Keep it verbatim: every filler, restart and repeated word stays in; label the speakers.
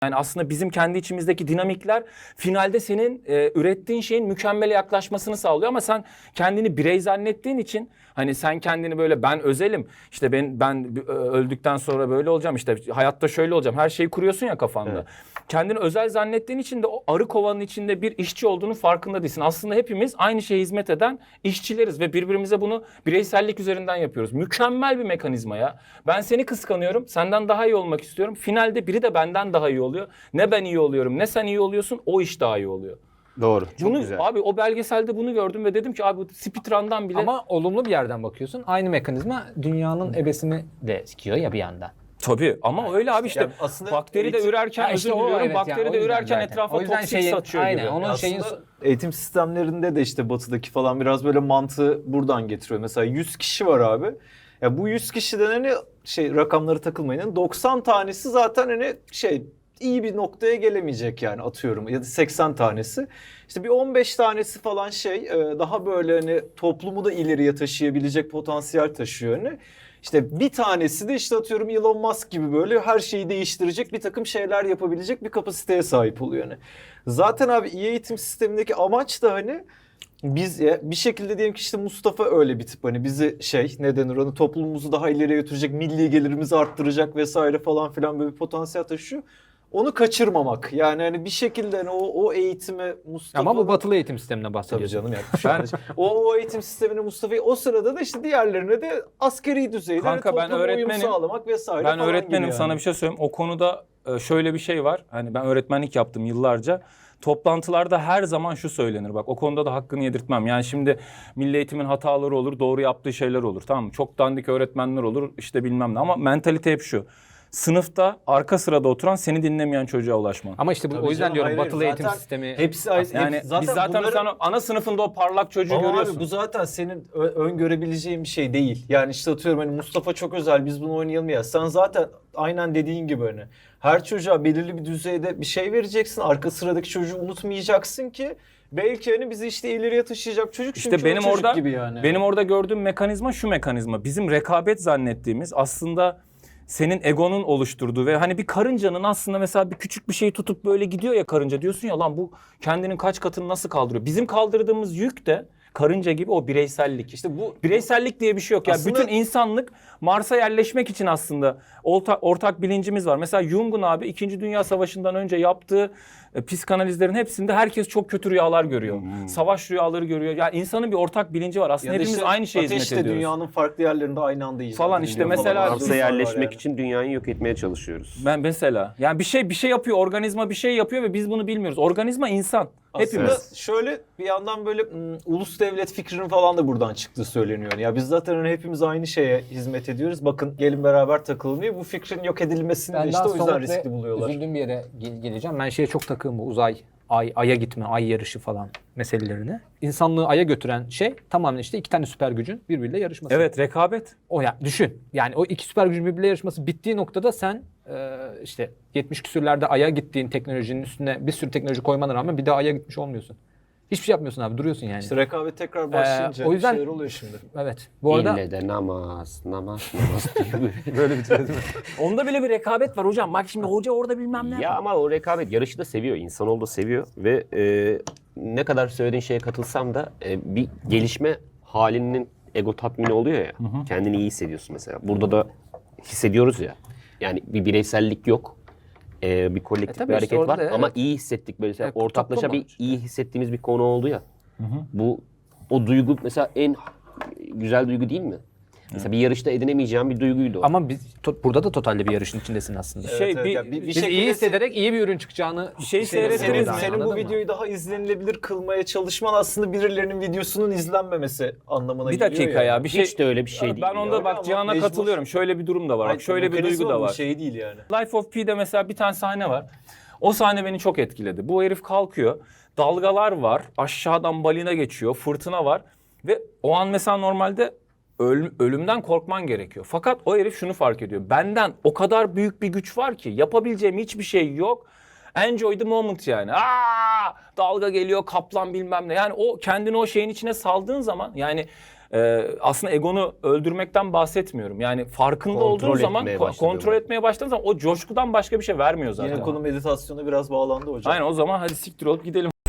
Speaker 1: Yani aslında bizim kendi içimizdeki dinamikler finalde senin e, ürettiğin şeyin mükemmele yaklaşmasını sağlıyor ama sen kendini birey zannettiğin için hani sen kendini böyle ben özelim işte ben ben öldükten sonra böyle olacağım işte hayatta şöyle olacağım her şeyi kuruyorsun ya kafanda. Evet. Kendini özel zannettiğin için de o arı kovanın içinde bir işçi olduğunun farkında değilsin. Aslında hepimiz aynı şeye hizmet eden işçileriz ve birbirimize bunu bireysellik üzerinden yapıyoruz. Mükemmel bir mekanizma ya. Ben seni kıskanıyorum, senden daha iyi olmak istiyorum. Finalde biri de benden daha iyi oluyor. Ne ben iyi oluyorum, ne sen iyi oluyorsun, o iş daha iyi oluyor.
Speaker 2: Doğru. Çok
Speaker 1: bunu,
Speaker 2: güzel.
Speaker 1: Abi o belgeselde bunu gördüm ve dedim ki abi bu speedrun'dan bile...
Speaker 3: Ama olumlu bir yerden bakıyorsun. Aynı mekanizma dünyanın ebesini de sikiyor ya bir yanda.
Speaker 1: Tabii ama yani öyle abi işte, işte
Speaker 2: aslında
Speaker 1: bakteri de
Speaker 2: eğitim,
Speaker 1: ürerken özür
Speaker 3: işte
Speaker 1: diliyorum
Speaker 3: evet
Speaker 1: bakteri
Speaker 3: yani,
Speaker 1: de ürerken
Speaker 3: zaten.
Speaker 1: etrafa toksik şeyin, saçıyor
Speaker 3: aynen,
Speaker 1: gibi.
Speaker 3: Onun
Speaker 2: aslında
Speaker 3: şeyin...
Speaker 2: eğitim sistemlerinde de işte batıdaki falan biraz böyle mantığı buradan getiriyor. Mesela yüz kişi var abi. Ya bu yüz kişiden hani şey rakamları takılmayın. doksan tanesi zaten hani şey iyi bir noktaya gelemeyecek yani atıyorum ya da seksen tanesi. İşte bir on beş tanesi falan şey daha böyle hani toplumu da ileriye taşıyabilecek potansiyel taşıyor hani. İşte bir tanesi de işte atıyorum Elon Musk gibi böyle her şeyi değiştirecek bir takım şeyler yapabilecek bir kapasiteye sahip oluyor yani. Zaten abi iyi eğitim sistemindeki amaç da hani biz ya bir şekilde diyelim ki işte Mustafa öyle bir tip hani bizi şey ne denir onu toplumumuzu daha ileriye götürecek, milli gelirimizi arttıracak vesaire falan filan böyle bir potansiyel taşıyor. Onu kaçırmamak. Yani hani bir şekilde hani o, o eğitime Mustafa...
Speaker 3: Ama bu batılı eğitim sistemine bahsediyorsun.
Speaker 2: Tabii canım yani. o, o eğitim sistemine Mustafa'yı o sırada da işte diğerlerine de askeri düzeyde
Speaker 1: Kanka,
Speaker 2: hani
Speaker 1: ben
Speaker 2: topluma uyum
Speaker 1: öğretmenim,
Speaker 2: sağlamak vesaire
Speaker 1: ben
Speaker 2: falan
Speaker 1: öğretmenim
Speaker 2: gibi
Speaker 1: sana
Speaker 2: yani.
Speaker 1: bir şey söyleyeyim. O konuda şöyle bir şey var. Hani ben öğretmenlik yaptım yıllarca. Toplantılarda her zaman şu söylenir. Bak o konuda da hakkını yedirtmem. Yani şimdi milli eğitimin hataları olur, doğru yaptığı şeyler olur. Tamam mı? Çok dandik öğretmenler olur işte bilmem ne. Ama mentalite hep şu. Sınıfta arka sırada oturan seni dinlemeyen çocuğa ulaşman.
Speaker 3: Ama işte bu,
Speaker 2: Tabii
Speaker 3: o yüzden
Speaker 2: canım,
Speaker 3: diyorum
Speaker 2: hayır,
Speaker 3: batılı eğitim sistemi...
Speaker 2: Hepsi
Speaker 1: Yani
Speaker 2: hep, zaten
Speaker 1: biz zaten
Speaker 2: bunları...
Speaker 1: sen ana sınıfında o parlak çocuğu
Speaker 2: Ama
Speaker 1: görüyorsun.
Speaker 2: abi bu zaten senin öngörebileceğin bir şey değil. Yani işte atıyorum hani Mustafa çok özel biz bunu oynayalım ya. Sen zaten aynen dediğin gibi hani her çocuğa belirli bir düzeyde bir şey vereceksin. Arka sıradaki çocuğu unutmayacaksın ki belki hani bizi işte ileriye taşıyacak çocuk
Speaker 1: İşte
Speaker 2: çünkü
Speaker 1: benim
Speaker 2: çocuk
Speaker 1: orada
Speaker 2: gibi yani.
Speaker 1: benim orada gördüğüm mekanizma şu mekanizma. Bizim rekabet zannettiğimiz aslında senin egonun oluşturduğu ve hani bir karıncanın aslında mesela bir küçük bir şeyi tutup böyle gidiyor ya karınca diyorsun ya lan bu kendinin kaç katını nasıl kaldırıyor? Bizim kaldırdığımız yük de karınca gibi o bireysellik. İşte bu bireysellik diye bir şey yok. Yani
Speaker 2: aslında...
Speaker 1: bütün insanlık Mars'a yerleşmek için aslında ortak, ortak bilincimiz var. Mesela Jung'un abi İkinci Dünya Savaşı'ndan önce yaptığı e, psikanalizlerin hepsinde herkes çok kötü rüyalar görüyor. Hmm. Savaş rüyaları görüyor. Yani insanın bir ortak bilinci var. Aslında hepimiz işte aynı şeye hizmet ediyoruz.
Speaker 2: Dünyanın farklı yerlerinde aynı anda iyi.
Speaker 1: Falan işte mesela
Speaker 4: Mars'a yerleşmek yani. için dünyayı yok etmeye çalışıyoruz.
Speaker 1: Ben mesela yani bir şey bir şey yapıyor, organizma bir şey yapıyor ve biz bunu bilmiyoruz. Organizma insan.
Speaker 2: Aslında
Speaker 1: hepimiz.
Speaker 2: Şöyle bir yandan böyle m, ulus devlet fikrinin falan da buradan çıktığı söyleniyor. Ya biz zaten hani hepimiz aynı şeye hizmet ediyoruz. Bakın gelin beraber takılın diye bu fikrin yok edilmesini
Speaker 3: ben
Speaker 2: de işte o yüzden riskli buluyorlar.
Speaker 3: Üzüldüğüm bir yere gel- geleceğim. Ben şeye çok takığım bu uzay, ay, aya gitme, ay yarışı falan meselelerine. İnsanlığı aya götüren şey tamamen işte iki tane süper gücün birbiriyle yarışması.
Speaker 1: Evet, rekabet.
Speaker 3: O ya düşün. Yani o iki süper gücün birbiriyle yarışması bittiği noktada sen e, işte yetmiş küsürlerde aya gittiğin teknolojinin üstüne bir sürü teknoloji koymana rağmen bir daha aya gitmiş olmuyorsun. Hiçbir şey yapmıyorsun abi, duruyorsun yani.
Speaker 2: İşte rekabet tekrar başlayınca
Speaker 3: ee, o yüzden,
Speaker 2: şeyler oluyor şimdi.
Speaker 3: Evet. Bu arada
Speaker 4: İlle de namaz, namaz, namaz diye
Speaker 1: böyle bir şey değil mi? Onda bile bir rekabet var hocam. Bak şimdi hoca orada bilmem ne.
Speaker 4: Ya ama o rekabet yarışı da seviyor, insanoğlu da seviyor ve e, ne kadar söylediğin şeye katılsam da e, bir gelişme halinin ego tatmini oluyor ya. Hı hı. Kendini iyi hissediyorsun mesela. Burada da hissediyoruz ya. Yani bir bireysellik yok. Ee, bir kolektif
Speaker 3: e,
Speaker 4: bir hareket
Speaker 3: işte
Speaker 4: var
Speaker 3: da, evet.
Speaker 4: ama iyi hissettik böyle
Speaker 3: Evet,
Speaker 4: ortaklaşa bir
Speaker 3: işte.
Speaker 4: iyi hissettiğimiz bir konu oldu ya.
Speaker 1: Hı hı.
Speaker 4: Bu o duygu mesela en güzel duygu değil mi? Mesela evet. bir yarışta edinemeyeceğim bir duyguydu o.
Speaker 3: Ama biz to- burada da totalde bir yarışın içindesin aslında.
Speaker 1: Şey
Speaker 2: evet, evet.
Speaker 1: bir,
Speaker 2: Ya bir, bir
Speaker 3: biz iyi hissederek iyi bir ürün çıkacağını
Speaker 1: şey
Speaker 2: senin,
Speaker 1: seyrettiniz
Speaker 2: senin,
Speaker 1: mi?
Speaker 2: senin bu
Speaker 3: mı?
Speaker 2: videoyu daha izlenilebilir kılmaya çalışman aslında birilerinin videosunun izlenmemesi anlamına
Speaker 1: bir
Speaker 2: geliyor.
Speaker 1: dakika ya. Bir şey,
Speaker 4: hiç de öyle bir şey değil.
Speaker 1: Ben onda
Speaker 4: ya.
Speaker 1: bak Cihan'a
Speaker 2: mecbur.
Speaker 1: katılıyorum. Şöyle bir durum da var.
Speaker 2: Hayır,
Speaker 1: Bak şöyle bir duygu da var.
Speaker 2: Şey değil yani.
Speaker 1: Life of Pi'de mesela bir tane sahne var. O sahne beni çok etkiledi. Bu herif kalkıyor. Dalgalar var. Aşağıdan balina geçiyor. Fırtına var. Ve o an mesela normalde öl- ölümden korkman gerekiyor. Fakat o herif şunu fark ediyor. Benden o kadar büyük bir güç var ki yapabileceğim hiçbir şey yok. Enjoy the moment yani. Aa, dalga geliyor, kaplan bilmem ne. Yani o kendini o şeyin içine saldığın zaman yani Ee, aslında egonu öldürmekten bahsetmiyorum. Yani farkında
Speaker 4: Kontrol
Speaker 1: olduğun zaman
Speaker 4: etmeye
Speaker 1: ko-
Speaker 4: başladığında.
Speaker 1: kontrol etmeye başladığın zaman o coşkudan başka bir şey vermiyor zaten.
Speaker 2: Yine konu meditasyona biraz bağlandı hocam.
Speaker 1: Aynen, o zaman hadi siktir olup gidelim.